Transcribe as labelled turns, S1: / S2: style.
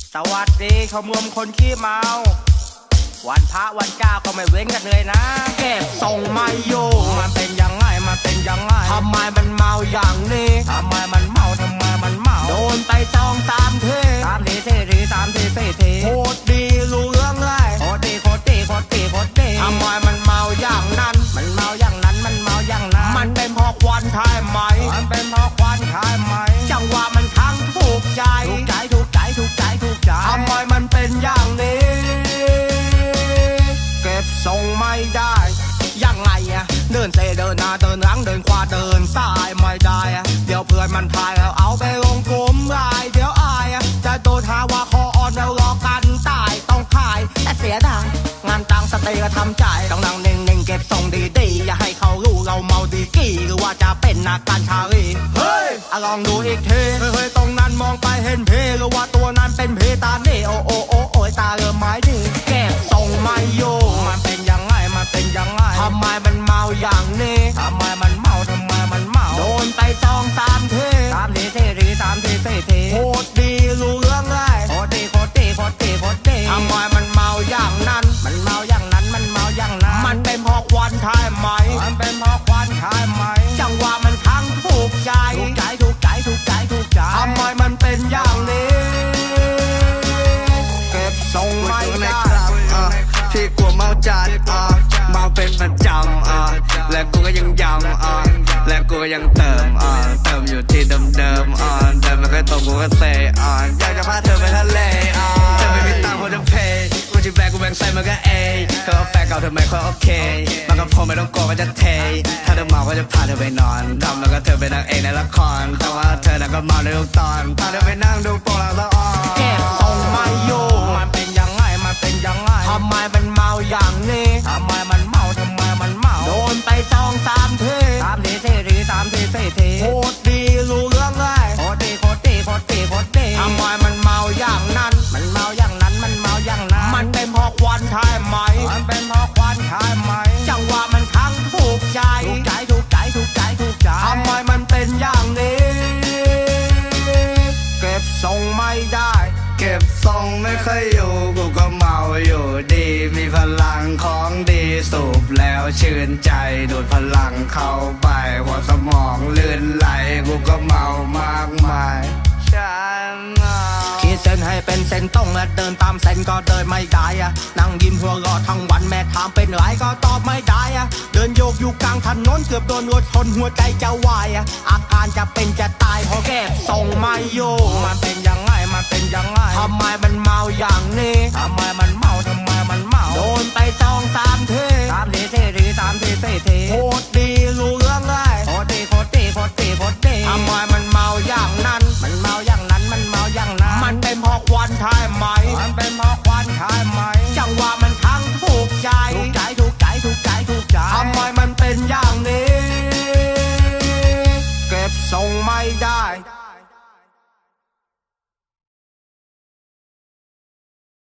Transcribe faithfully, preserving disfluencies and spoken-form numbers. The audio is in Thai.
S1: สวัสดีชมรมคนขี้เมาวันพระวันเจ้าก็ไม่เว้นกันเลยนะเก็บส่งไม่อยู่มันเป็นยังไงมันเป็นยังไงทำไมมันเมาอย่างนี้ทำไมมันเมาทำไมมันเมาโดนไปสองสามทีสามทีสี่ทีสามทีสี่ทีโคตรดีรู้เรื่องเลยโคตรดีโคตรดีโคตรดีโคตรดีทำไมมันเมาอย่างนั้นมันเมาอย่างนั้นมันเมาอย่างนั้นมันเป็นเพราะควันใช่ไหมมันเป็นเพราะควันใช่ไหมจังหวะมันทั้งถูกใจถูกใจถูกใจถูกใจถูกใจทำไมมันเป็นอย่างนี้เก็บทรงไม่ได้ยังไงอะเดินเซเดินหน้าเดินหลังเดินขวาเดินซ้ายไม่ได้อะเดี๋ยวเพื่อนมันพายแล้วเอาไปลงกลุ่มไลน์เดี๋ยวอายอะจะโดนหาว่าคออ่อนแล้วรอกันตายต้องขายแต่เสียดายงานตังสเตย์ก็ทำใจต้องนั่งนิ่งๆเก็บทรงดีๆอย่าให้เขารู้เราเมาดีกี่หรือว่าจะเป็นนักการชาลีเฮ้ยลองดูอีกทีเฮ้ยตรงนั้นมองไปเห็นเพหรือว่าตัวนั้นเป็นเพตาเน่โอโอโอโอยตาเริ่มไม้ดีเก็บทรงไม่อยู่มันเป็นยังไงมันเป็นยังไงทำไมมันเมาอย่างนี้ทำไมมันเมาทำไมมันเมาโดนไปสองสามทีสามทีสี่ทีสามทีสี่ทีโคตรดีรู้เรื่องเลยโคตรดีโคตรดีโคตรดีโคตรดีทำไมมันเมาอย่างนั้นมันเมาอย่างนั้นมันเมาอย่างนั้นมันเป็นเพราะควันใช่ไหมมันเป็นเพราะควันใช่ไหมจังหวะมันทั้งถูกใจถูกใจถูกใจถูกใจถูกใจทำไมมันเป็นอย่างนี้เก็บทรงไม่ได้
S2: ที่กลัวเมาจัดอ่ะเมาเป็นประจำอ่ะและกูก็ยังย้ำอ่ะและกูก็ยังเติมอ่ะเติมอยู่ที่เดิมๆอ่ะเดิมมันก็ตรงกูก็เซอ่ะอยากจะพาเธอไปทะเลอ่ะเธอไม่มีตังค์พอจะเพย์กูจะแบกกูแบงใส่มันก็เอเธอเอาแฟนเก่าเธอไม่ค่อยโอเคมันก็พอไม่ต้องกลัวว่าจะเทถ้าเธอเมาก็จะพาเธอไปนอนทำแล้วก็เธอเป็นนางเอกในละครแต่ว่าเธอน่ะก็เมาในทุกตอนพาเธอไปนั่งดูโปรหลังละอ่อน
S1: เก็บทรงไม่อยู่มันเป็นยังไงมันเป็นยังไงทำไมมันเมาอย่างนี้ทำไมมันเมาทำไมมันเมาโดนไปสองสามทีสามทีสี่ทีสามทีสี่ทีโคตรดีรู้เรื่องเลยโคตรดีโคตรดีโคตรดีโคตรดีทำไมมันเมาอย่างนั้นมันเมาอย่างนั้นมันเมาอย่างนั้นมันเป็นเพราะควันใช่ไหมมันเป็นเพราะควันใช่ไหมจังหวะมันทั้งถูกใจถูกใจถูกใจถูกใจถูกใจทำไมมันเป็นอย่างนี้เก็บทรงไม่ได้
S2: เก็บทรงไม่ค่อยอยู่กูก็เมาอยู่ดีมีพลังของดีสูบแล้วชื่นใจดูดพลังเข้าไปหัวสมองลื่นไหลกูก็เมามากมายฉันเมา
S1: ขีดเส้นให้เป็นเส้นตรงและเดินตามเส้นก็เดินไม่ได้อะนั่งยิ้มหัวเราะทั้งวันแม่ถามเป็นไรก็ตอบไม่ได้อะเดินโยกอยู่กลางถนนเกือบโดนรถชนหัวใจจะวายอะอาการจะเป็นจะตายเพราะเก็บทรงไม่อยู่มันเป็นยังไงมันเป็นยังไงทำไมมันเมาอย่างนี้ทำไมมันเมาทำไมมันเมาโดนไปสองสามทีสามทีสี่ทีสามทีสี่ทีโคตรดี